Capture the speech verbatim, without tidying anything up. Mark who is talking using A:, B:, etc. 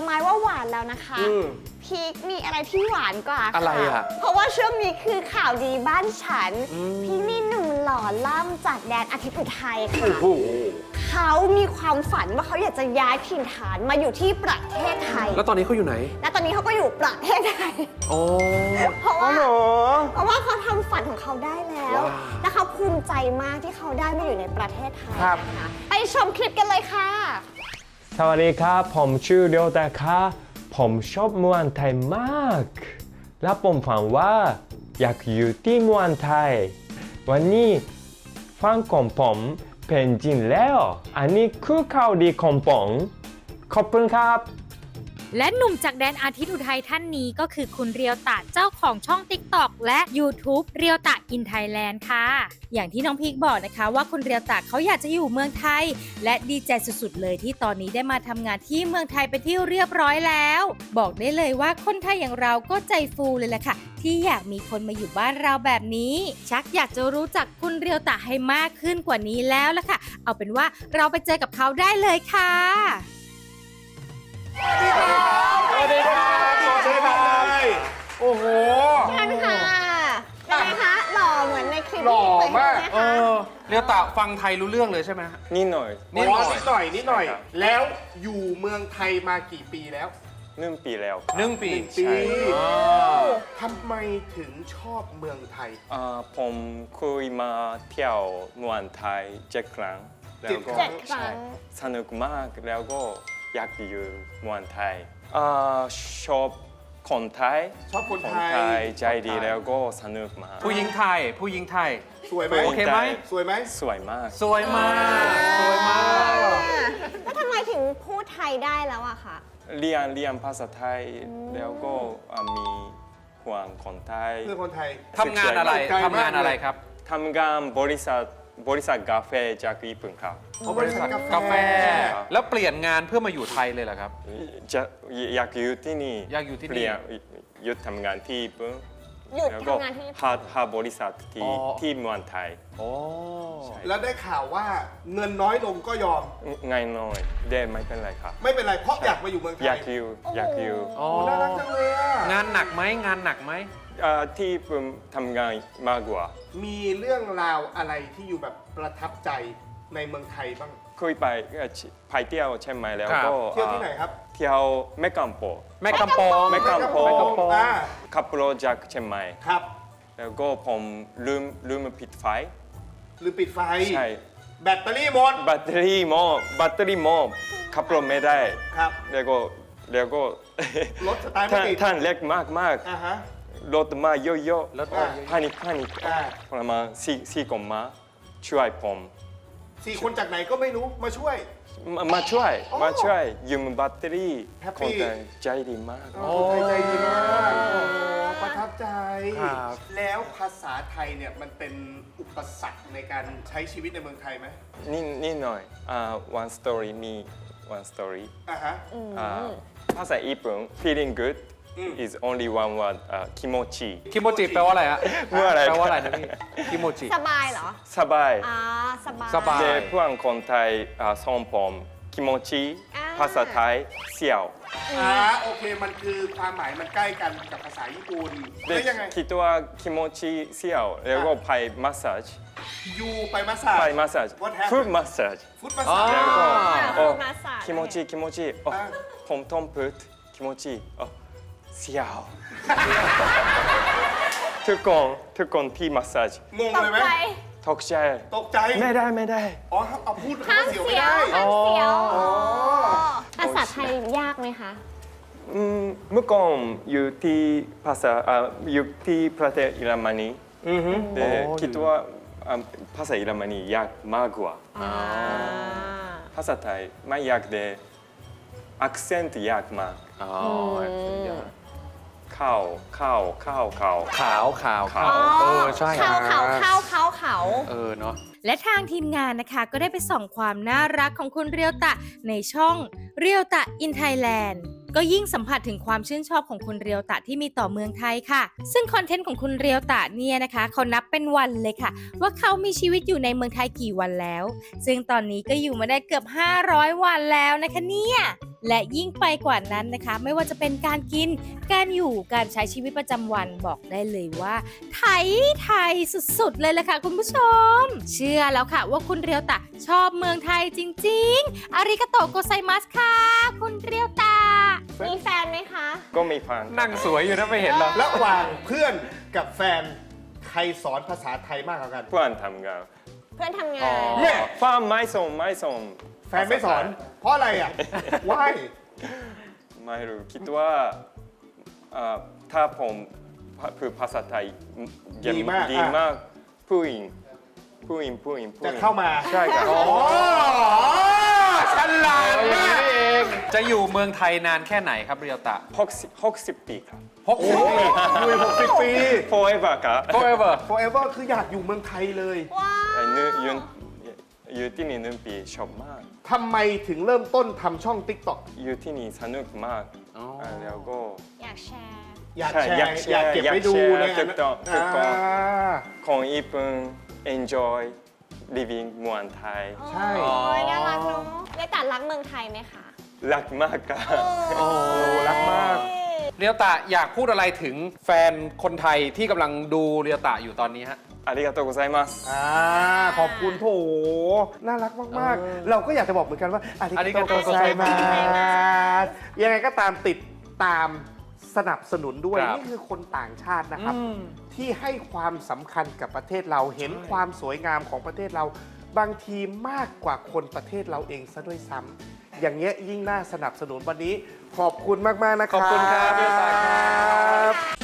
A: ไม้ว่าหวานแล้วนะคะพีคมีอะไรที่หวานกว่าค่ะ
B: อะไรอ่ะ
A: เพราะว่าช่วงนี้คือข่าวดีบ้านฉันพี่มีหนุ่มหล่อล่ำจากแดนอาทิตย์อุทัยค่ะเขามีความฝันว่าเขาอยากจะย้ายถิ่นฐานมาอยู่ที่ประเทศไทย
B: แล้วตอนนี้เขาอยู่ไหน
A: และตอนนี้เขาก็อยู่ประเทศไทย
B: โอ้
A: เพราะว่าเพราะว่าเขาทำฝันของเขาได้แล้วและเขาภูมิใจมากที่เขาได้มาอยู่ในประเทศไทยนะคะไปชมคลิปกันเลยค่ะ
C: สวัสดีครับผมชื่อเรียวแต่ค่ะผมชอบเมืองไทยมากและผมฝันว่าอยากอยู่ที่เมืองไทยวันนี้ฝันของผมเป็นจริงแล้วอันนี้คือข่าวดีของผมขอบคุณครับ
D: และหนุ่มจากแดนอาทิตย์อุทัยท่านนี้ก็คือคุณเรียวตะเจ้าของช่อง ติ๊กต็อก และ ยูทูบ เรียวตะอินไทยแลนด์ค่ะอย่างที่น้องพีคบอกนะคะว่าคุณเรียวตะเขาอยากจะอยู่เมืองไทยและดีใจสุดๆเลยที่ตอนนี้ได้มาทำงานที่เมืองไทยเป็นที่เรียบร้อยแล้วบอกได้เลยว่าคนไทยอย่างเราก็ใจฟูเลยแหละค่ะที่อยากมีคนมาอยู่บ้านเราแบบนี้ชักอยากจะรู้จักคุณเรียวตะให้มากขึ้นกว่านี้แล้วล่ะค่ะเอาเป็นว่าเราไปเจอกับเขาได้เลยค่ะ
B: สวัสดีครับสวัสดีครับโอ้โห
A: ท่านค่ะเป็นไงคะหล่อเหมือนในคลิป
B: หล่อมาก
A: เอ
B: อเรียวตะฟังไทยรู้เรื่องเลยใช่ไหม
C: นิดหน่อย
B: นิดหน่อย
E: นิดหน่อยนิดหน่อยแล้วอยู่เมืองไทยมากี่ปีแล้ว
C: หนึ่งปีแล้ว
B: หนึ่งปี
E: ปีทำไมถึงชอบเมืองไทย
C: ผมเคยมาเที่ยวเมืองไทยเจ็ดครั้งแล้วก็สนุกมากแล้วก็อยากอยู่เมืองไทยชอบคนไทย
E: ชอบคนไทย
C: ใจดีแล้วก็สนุกมาก
B: ผู้หญิงไทยผู้หญิงไทย
E: สวยไหม
B: โอเคไหม
E: สวยไหม
C: สวยมาก
B: สวยมากสวยมาก
A: แล้วทำไมถึงพูดไทยได้แล้วอะคะ
C: เรียนเรียนภาษาไทยแล้วก็มีห่วงคนไทย
E: เรื่องคนไทย
B: ทำงานอะไรทำงานอะไรครับ
C: ทำงานบริษัทบริษัทกาแฟจากญี่ปุ่นครับ
E: บริษัท
B: กาแฟแล้วเปลี่ยนงานเพื่อมาอยู่ไทยเลยเหรอครับ
C: จะอยากอยู่ที่นี่
B: อยากอยู่ที่นี่
C: เปลี่ยนหยุดทำงานที่ญี่ปุ่น
A: หยุดทำงานที่ญี่ปุ่น
C: หาบริษัทที่ที่เมืองไทย
E: แล้วได้ข่าวว่าเงินน้อยลงก็ยอม
C: ง่ายน้อยได้ไม่เป็นไรครับ
E: ไม่เป็นไรเพราะอยากมาอยู่เมืองไทย
C: อยากอยู่อยากอยู่
E: น่ารักจังเลยอะ
B: งานหนักไหมงานหนักไหม
C: ที่ผมทำงานมากกว่า
E: มีเรื่องราวอะไรที่อยู่แบบประทับใจในเมืองไทยบ้าง
C: เคยไปไปเที่ยวใช่ไหมแล้วก็
E: เที่ยวที่ไหนครับ
C: เที่ยวแม่กำปอง
B: แม่กำปอง
C: แม่กำปองขับรถจากเชียงใหม่
E: ครับ
C: แล้วก็ผมลืมลืมปิดไฟ
E: ลืมปิดไฟ
C: ใช่
E: แบตเตอรี่หมด
C: แบตเตอรี่หมดแบตเตอรี่หมดขับรถไม่ได้
E: ครับ
C: แล้วก็แล้วก็
E: รถสตาร์ทไม่ติด
C: ท่านเล็กมากมาก
E: อ่าฮะ
C: รถมาเยอะ
B: ๆรถ
C: พานิคพานิคประมาณสี่สี่คนมาช่วยผม
E: สี่คนจากไหนก็ไม่รู้มาช่วย
C: มาช่วยมาช่วยยืมแบตเตอรี่คนไทยใจดีมาก
E: คนไทยใจดีมากประทับใจแล้วภาษาไทยเนี่ยมันเป็นอุปสรรคในการใช้ชีวิตในเมืองไทยไหม
C: นี่นี่หน่อย one story มี one story
E: อ่าฮะ
C: ภาษาญี่ปุ่น feeling good is only one word คิโมจิ
B: คิโมจิแปลว่าอะไรฮะ
C: เมื่ออะไร
B: แปลว่าอะไรนะพี่คิโมจิ
A: สบายเหรอ
C: สบาย
A: อ่าสบาย
B: สบาย
C: แต่เพื่อนคนไทยสอนผมคิโมจิภาษาไทยเสี่ยว
E: อ่าโอเคมันคือความหมายมันใกล้กันกับภาษาญี่ปุ่น
C: ได้ยังไงคิดว่าคิโมจิเสี่ยวแล้วก็ไปมัสซาจ
E: ยูไปมัสซาจ
C: ไปมัสซาจฟูดมัสซาจ
E: ฟูดมัสซาจ
C: แล้วก็
A: โอ้
C: คิโมจิคิโมจิผมต้องพูดคิโมจิเสี่ยวทุกคนทุกคนที่มัสซาจ
E: งงเลยไหม
C: ตกใจ
E: ตกใจ
C: ไม่ได้ไม่ได้
E: อ๋อเอาพูดห้าม
A: เสียว
E: ไม่ได้
A: ห้ามเสียวภาษาไทยยากไหมคะ
C: เมื่อก่อนอยู่ที่ภาษาอยู่ที่ประเทศเยอรมนีแต่คิดว่าภาษาเยอรมนียากมากกว่าภาษาไทยไม่ยากแต่accent ยากมากข้าวข้าวข้าวข้าว
B: ขาวขาวขาวเออใช่
A: ขาวขาวขาวขาวขาว
B: เออเนาะ
D: และทางทีมงานนะคะก็ได้ไปส่องความน่ารักของคุณเรียวตะในช่องเรียวตะอินไทยแลนด์ก็ยิ่งสัมผัสถึงความชื่นชอบของคุณเรียวตะที่มีต่อเมืองไทยค่ะซึ่งคอนเทนต์ของคุณเรียวตะเนี่ยนะคะเขานับเป็นวันเลยค่ะว่าเขามีชีวิตอยู่ในเมืองไทยกี่วันแล้วซึ่งตอนนี้ก็อยู่มาได้เกือบห้าร้อยวันแล้วนะคะเนี่ยและยิ่งไปกว่านั้นนะคะ ไม่ว่าจะเป็นการกินการอยู่การใช้ชีวิตประจำวันบอกได้เลยว่าไทยไทยสุดๆเลยล่ะค่ะคุณผู้ชม เชื่อแล้วค่ะว่าคุณเรียวตะชอบเมืองไทยจริงๆอาริกาโตโกไซมัสค่ะคุณเรียวตะ
A: มีแฟนไหมคะ
C: ก็มีฟัง
B: นั่งสวยอยู่นะไม่เห็นหรอ
E: ระหว่างเพื่อนกับแฟนใครสอนภาษาไทยมากกว่ากัน
C: เพื่อนทำงาน
A: เพื่อนทำงา
B: อ๋
A: น
B: อ
E: เนี่ย
C: ฟ้าไม่ส่งไม่ส่ง
E: แฟนไม่สอน เพราะอะไรอ่ะ why
C: ไม่รู้คิดว่าเอ่อถ้าผมพูดภาษาไทย
E: ดีมาก
C: ดีมากผู้หญิงผู้หญิงผู้หญิงผู้ห
E: จะ
C: ญิง
E: เข้ามา
C: ใช่ครับ
E: อ๋อฉลาด
B: อย่าง
E: มา
B: นี้
E: ก
B: เอง จะอยู่เมืองไทยนานแค่ไหนครับเรียวตะ
C: หกสิบหกสิบปีครับ
B: หกสิบปี
E: อยู่หกสิบปี
C: forever ครับ
B: forever
E: forever คืออยากอยู่เมืองไทยเลย
A: ว้า
C: ไอ้นึยืนอยู่ที่นี่หนึ่งปีชอบมาก
E: ทำไมถึงเริ่มต้นทำช่อง TikTok
C: อยู่ที่นี่สนุกมาก
B: อ๋อ
C: อ่าแล้วก็
A: อยากแชร์
E: อยาก
C: ใช่
E: แชร์
C: อยากแชร์
E: อยากเก็บไว้ดู
C: อยากแชร์
E: เนี่ย
C: ถูกต้องถูกต้อง
E: อ่า
C: ของญี่ปุ่น enjoy living เมืองไทย
E: ใช่
A: โอ้ยน่ารักเนาะเรียวตะรักเมืองไทยไหมคะ
C: รักมากครับ
E: โอ้รักมาก
B: เรียวตะอยากพูดอะไรถึงแฟนคนไทยที่กำลังดูเรียวตะอยู่ตอนนี้ฮะ
C: ありがとうございます。
E: อ่าขอบคุณโถน่ารักมาก
B: เออ
E: ๆ เราก็อยากจะบอกเหมือนกันว่าอาริ
B: อาริกาโต
E: โกไซมาสยังไงก็ตามติดตามสนับสนุนด้วย
B: ครับ
E: นี่คือคนต่างชาตินะครับ
B: อืม
E: ที่ให้ความสำคัญกับประเทศเราเห็นความสวยงามของประเทศเรา บางทีมากกว่าคนประเทศเราเองซะด้วยซ้ำอย่างเงี้ยยิ่งน่าสนับสนุนวันนี้ ขอบคุณมาก ๆ นะครับ
B: ขอบคุณครับเรียวตะครับ